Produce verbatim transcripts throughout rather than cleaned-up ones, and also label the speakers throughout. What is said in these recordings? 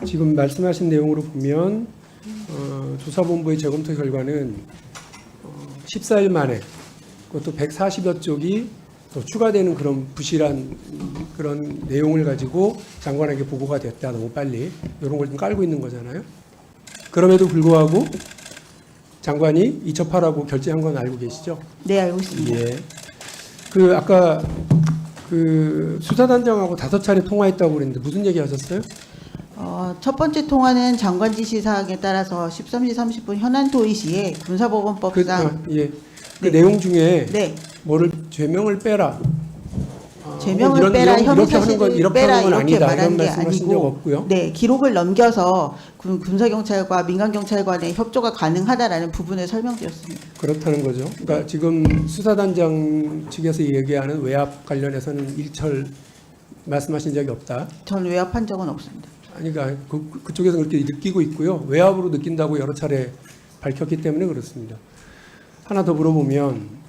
Speaker 1: 지금 말씀하신 내용으로 보면 어, 조사본부의 재검토 결과는 어, 십사 일 만에 그것도 백사십여 쪽이 또 추가되는 그런 부실한 그런 내용을 가지고 장관에게 보고가 됐다. 너무 빨리. 이런 걸 좀 깔고 있는 거잖아요. 그럼에도 불구하고 장관이 이첩하라고 결재한 건 알고 계시죠?
Speaker 2: 네, 알고 있습니다.
Speaker 1: 예. 그 아까 그 수사단장하고 다섯 차례 통화했다고 그랬는데 무슨 얘기 하셨어요?
Speaker 2: 어, 첫 번째 통화는 장관 지시 사항에 따라서 십삼 시 삼십 분 현안 토의 시에
Speaker 1: 그,
Speaker 2: 군사법원법상
Speaker 1: 아, 예. 그
Speaker 2: 네.
Speaker 1: 내용 중에
Speaker 2: 네,
Speaker 1: 뭐를 죄명을 빼라. 아,
Speaker 2: 죄명을
Speaker 1: 이런,
Speaker 2: 빼라,
Speaker 1: 이런,
Speaker 2: 혐의
Speaker 1: 이렇게 하는 건
Speaker 2: 사실을
Speaker 1: 이렇게
Speaker 2: 빼라
Speaker 1: 하는 건
Speaker 2: 이렇게
Speaker 1: 아니다. 이런
Speaker 2: 말한 게
Speaker 1: 말씀하신 적
Speaker 2: 아니고
Speaker 1: 없고요.
Speaker 2: 네, 기록을 넘겨서 군, 군사경찰과 민간경찰관의 협조가 가능하다라는 부분을 설명드렸습니다.
Speaker 1: 그렇다는 거죠. 그러니까 지금 수사단장 측에서 얘기하는 외압 관련해서는 일철 말씀하신 적이 없다.
Speaker 2: 전 외압한 적은 없습니다.
Speaker 1: 아니, 그러니까 그, 그쪽에서 그렇게 느끼고 있고요. 외압으로 느낀다고 여러 차례 밝혔기 때문에 그렇습니다. 하나 더 물어보면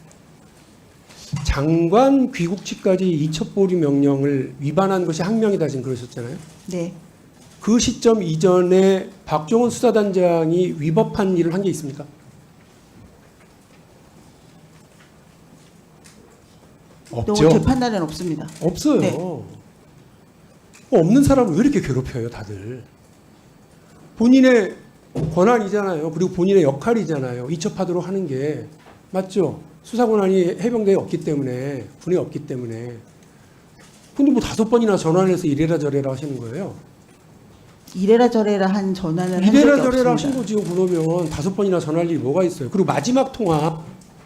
Speaker 1: 장관 귀국치까지 이첩보류 명령을 위반한 것이 항명이다 지금 그러셨잖아요.
Speaker 2: 네,
Speaker 1: 그 시점 이전에 박종원 수사단장이 위법한 일을 한 게 있습니까?
Speaker 2: 너무
Speaker 1: 없죠.
Speaker 2: 제 판단은 없습니다.
Speaker 1: 없어요.
Speaker 2: 네.
Speaker 1: 어, 없는 사람을 왜 이렇게 괴롭혀요, 다들? 본인의 권한이잖아요. 그리고 본인의 역할이잖아요. 이첩하도록 하는 게 맞죠? 수사 권한이 해병대에 없기 때문에, 군에 없기 때문에. 근데 뭐 다섯 번이나 전화를 해서 이래라 저래라 하시는 거예요.
Speaker 2: 이래라 저래라 한 전화는 한 적이
Speaker 1: 이래라 저래라 하신
Speaker 2: 없습니다.
Speaker 1: 거지 그러면 다섯 번이나 전화할 일이 뭐가 있어요. 그리고 마지막 통화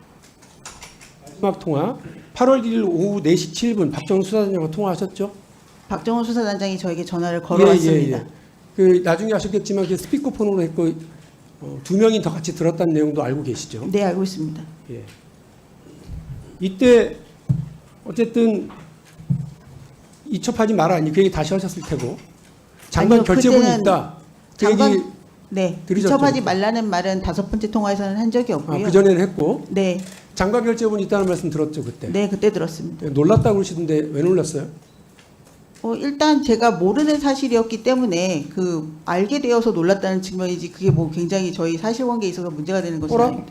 Speaker 1: 마지막 통화 팔월 일일 오후 네 시 칠 분 박정훈 수사단장과 통화하셨죠?
Speaker 2: 박정훈 수사단장이 저에게 전화를 걸어왔습니다.
Speaker 1: 예, 예, 예. 그 나중에 아셨겠지만 그 스피커폰으로 했고 어, 두 명이 더 같이 들었다는 내용도 알고 계시죠?
Speaker 2: 네, 알고 있습니다.
Speaker 1: 예. 이때 어쨌든 이첩하지 마라 아니 그 얘기 다시 하셨을 테고 장관
Speaker 2: 아니요,
Speaker 1: 결재본이
Speaker 2: 그때는
Speaker 1: 있다. 그
Speaker 2: 장관
Speaker 1: 얘기
Speaker 2: 네,
Speaker 1: 들으셨죠?
Speaker 2: 이첩하지 말라는 말은 다섯 번째 통화에서는 한 적이
Speaker 1: 아,
Speaker 2: 없고요.
Speaker 1: 그 전에는 했고
Speaker 2: 네,
Speaker 1: 장관 결재본이 있다는 말씀 들었죠 그때.
Speaker 2: 네, 그때 들었습니다.
Speaker 1: 예, 놀랐다고 그러시던데 왜 놀랐어요?
Speaker 2: 어, 일단 제가 모르는 사실이었기 때문에 그 알게 되어서 놀랐다는 측면이지 그게 뭐 굉장히 저희 사실관계에 있어서 문제가 되는 것은
Speaker 1: 어라?
Speaker 2: 아닙니다.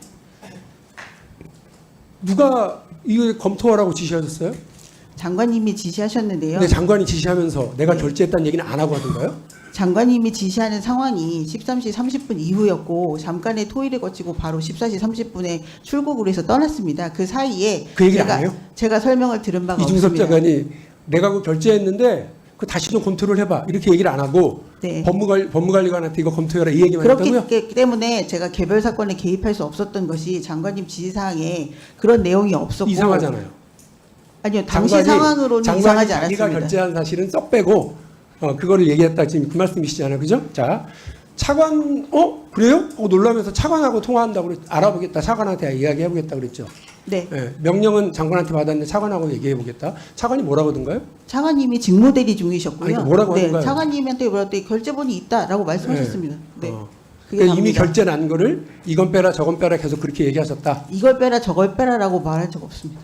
Speaker 1: 누가 이거 검토하라고 지시하셨어요?
Speaker 2: 장관님이 지시하셨는데요.
Speaker 1: 근데 장관이 지시하면서 내가
Speaker 2: 네.
Speaker 1: 결재했다는 얘기는 안 하고 하던가요?
Speaker 2: 장관님이 지시하는 상황이 십삼 시 삼십 분 이후였고 잠깐의 토의를 거치고 바로 십사 시 삼십 분에 출국을 해서 떠났습니다. 그 사이에
Speaker 1: 그 얘기를
Speaker 2: 제가,
Speaker 1: 안 해요?
Speaker 2: 제가 설명을 들은 바가
Speaker 1: 이중섭
Speaker 2: 없습니다.
Speaker 1: 장관이 내가 그 결재했는데 그 다시 좀 검토를 해봐 이렇게 얘기를 안 하고
Speaker 2: 네.
Speaker 1: 법무관, 법무관리관한테 이거 검토해라 이 얘기만 했다고요?
Speaker 2: 그렇기 때문에 제가 개별 사건에 개입할 수 없었던 것이 장관님 지시사항에 그런 내용이 없었고
Speaker 1: 이상하잖아요.
Speaker 2: 아니요 당시
Speaker 1: 장관이-
Speaker 2: 상황으로는
Speaker 1: 장관이
Speaker 2: 이상하지
Speaker 1: 자기가
Speaker 2: 않았습니다.
Speaker 1: 결재한 사실은 쏙 빼고 어, 그거를 얘기했다 지금 그 말씀이시잖아요, 그죠? 자, 차관 어 그래요? 어, 놀라면서 차관하고 통화한다고 그랬, 알아보겠다, 차관한테 이야기해보겠다 그랬죠.
Speaker 2: 네,
Speaker 1: 예, 명령은 장관한테 받았는데 차관하고 얘기해보겠다. 차관이 뭐라고 하던가요?
Speaker 2: 차관님이 직무대리 중이셨고요.
Speaker 1: 아니, 그러니까 뭐라고
Speaker 2: 네,
Speaker 1: 하는가요?
Speaker 2: 차관님한테 뭐라고 결재본이 있다라고 말씀하셨습니다. 네,
Speaker 1: 어.
Speaker 2: 그게
Speaker 1: 그러니까 이미
Speaker 2: 답니다.
Speaker 1: 결재 난 거를 이건 빼라 저건 빼라 계속 그렇게 얘기하셨다.
Speaker 2: 이걸 빼라 저걸 빼라라고 말한 적 없습니다.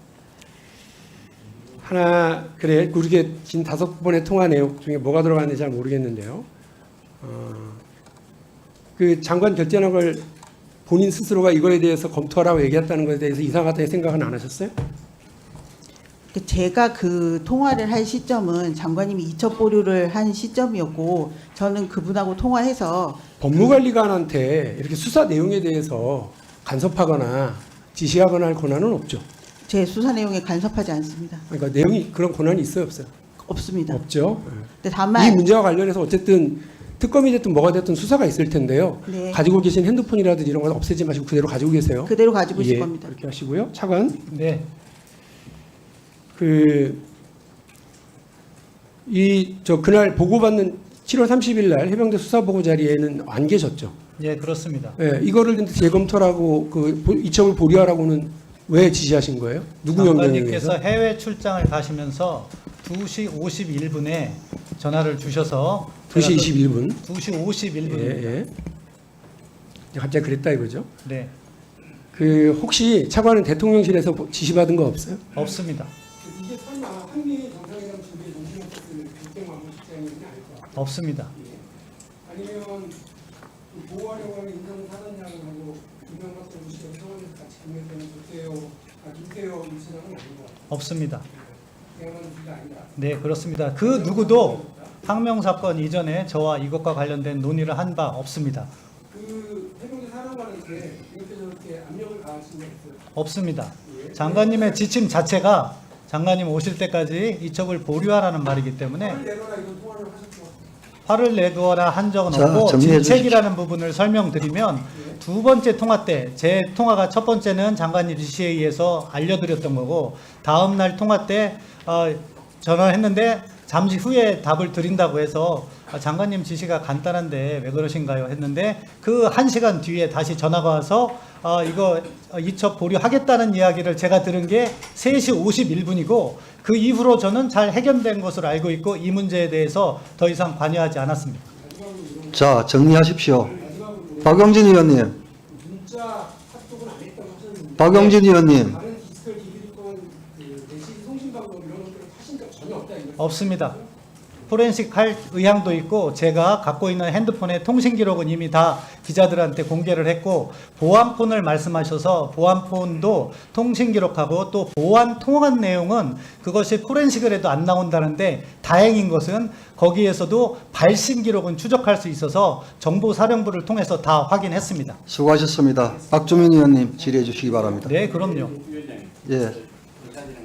Speaker 1: 하나 그래 그렇게 긴 다섯 번의 통화 내용 중에 뭐가 들어갔는지 잘 모르겠는데요. 어, 그 장관 결재한 걸 본인 스스로가 이거에 대해서 검토하라고 얘기했다는 것에 대해서 이상하다는 생각은 안 하셨어요?
Speaker 2: 그 제가 그 통화를 할 시점은 장관님이 이첩 보류를 한 시점이었고 저는 그분하고 통화해서
Speaker 1: 법무관리관한테 이렇게 수사 내용에 대해서 간섭하거나 지시하거나 할 권한은 없죠.
Speaker 2: 제 수사 내용에 간섭하지 않습니다.
Speaker 1: 그러니까 내용이 그런 권한이 있어요, 없어요?
Speaker 2: 없습니다.
Speaker 1: 없죠.
Speaker 2: 근데
Speaker 1: 이
Speaker 2: 다만
Speaker 1: 문제와 관련해서 어쨌든 특검이 됐든 뭐가 됐든 수사가 있을 텐데요.
Speaker 2: 네,
Speaker 1: 가지고 계신 핸드폰이라든지 이런 거 없애지 마시고 그대로 가지고 계세요.
Speaker 2: 그대로 가지고 있을
Speaker 1: 예,
Speaker 2: 겁니다.
Speaker 1: 그렇게 하시고요. 차관,
Speaker 3: 네,
Speaker 1: 그, 이, 저, 그날 보고받는 칠월 삼십일 날 해병대 수사보고 자리에는 안 계셨죠.
Speaker 3: 예, 그렇습니다.
Speaker 1: 예, 이거를 근데 재검토라고, 그, 보- 이첩을 보류하라고는 왜 지시하신 거예요? 누구 명령에 의해서?
Speaker 3: 장관님께서 해외 출장을 가시면서 두 시 오십일 분에 전화를 주셔서
Speaker 1: 두 시
Speaker 3: 제가
Speaker 1: 이십일 분.
Speaker 3: 그 두 시 오십일
Speaker 1: 예,
Speaker 3: 분입니다.
Speaker 1: 예. 갑자기 그랬다 이거죠.
Speaker 3: 네,
Speaker 1: 그, 혹시 차관은 대통령실에서 보- 지시받은 거 없어요?
Speaker 3: 없습니다.
Speaker 1: 이게 설마 한미 정상회담 준비에 정신없었을 국정원무 실장이 아닐까?
Speaker 3: 없습니다.
Speaker 1: 아니면 그 보호하려고 하는 인정사단장하고 김영박 씨가 청와대에서 같이 경매되는 조태호, 아 김태호 일선장은 아닌 것 같아요.
Speaker 3: 없습니다.
Speaker 1: 그야말로 둘다 아니다.
Speaker 3: 네, 그렇습니다. 그 누구도 항명 사건 이전에 저와 이것과 관련된 논의를 한 바 없습니다.
Speaker 1: 그 해병대 사령관한테 이렇게 저렇게 압력을 가하신 적 있어요?
Speaker 3: 없습니다.
Speaker 1: 예.
Speaker 3: 장관님의 지침 자체가 장관님 오실 때까지 이첩을 보류하라는 말이기 때문에
Speaker 1: 화를 내거나 이런 통화를 하셨죠?
Speaker 3: 화를 내거나 한 적은
Speaker 4: 자,
Speaker 3: 없고
Speaker 4: 정리해
Speaker 3: 질책이라는 부분을 설명드리면 두 번째 통화 때 제 통화가 첫 번째는 장관님 지시에 의해서 알려드렸던 거고 다음 날 통화 때 어, 전화했는데 잠시 후에 답을 드린다고 해서 아, 장관님 지시가 간단한데 왜 그러신가요? 했는데 그 한 시간 뒤에 다시 전화가 와서 어, 이거 이첩 보류하겠다는 이야기를 제가 들은 게 세 시 오십일 분이고 그 이후로 저는 잘 해결된 것으로 알고 있고 이 문제에 대해서 더 이상 관여하지 않았습니다.
Speaker 4: 자, 정리하십시오. 박용진 의원님,
Speaker 1: 문자 카톡은 안 했다고 하셨는데
Speaker 4: 박용진 의원님,
Speaker 1: 다른 디지털 기기를 통한 그 대시 송신 방법 이런 것들을 하신 적 전혀 없다 이거죠?
Speaker 3: 없습니다. 포렌식 할 의향도 있고 제가 갖고 있는 핸드폰의 통신 기록은 이미 다 기자들한테 공개를 했고 보안폰을 말씀하셔서 보안폰도 통신 기록하고 또 보안 통화한 내용은 그것이 포렌식을 해도 안 나온다는데 다행인 것은 거기에서도 발신 기록은 추적할 수 있어서 정보사령부를 통해서 다 확인했습니다.
Speaker 4: 수고하셨습니다. 박주민 의원님 질의해 주시기 바랍니다.
Speaker 3: 네, 그럼요.
Speaker 4: 예.